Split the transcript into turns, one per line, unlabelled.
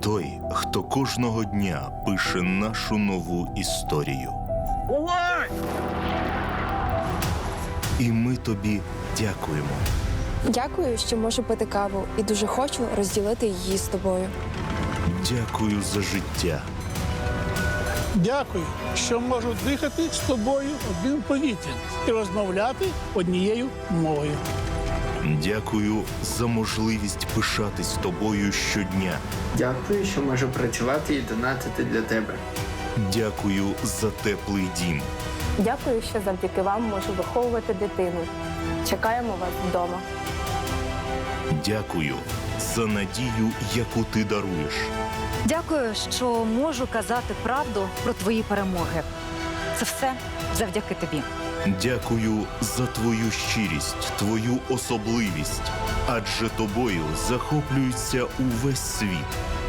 той, хто кожного дня пише нашу нову історію. І ми тобі дякуємо.
Дякую, що можу пити каву і дуже хочу розділити її з тобою.
Дякую за життя.
Дякую, що можу дихати з тобою одним повітрям і розмовляти однією мовою.
Дякую за можливість пишатись тобою щодня.
Дякую, що можу працювати і донатити для тебе.
Дякую за теплий дім.
Дякую, що завдяки вам можу виховувати дитину. Чекаємо вас вдома.
Дякую за надію, яку ти даруєш.
Дякую, що можу казати правду про твої перемоги. Це все завдяки тобі.
Дякую за твою щирість, твою особливість. Адже тобою захоплюється увесь світ.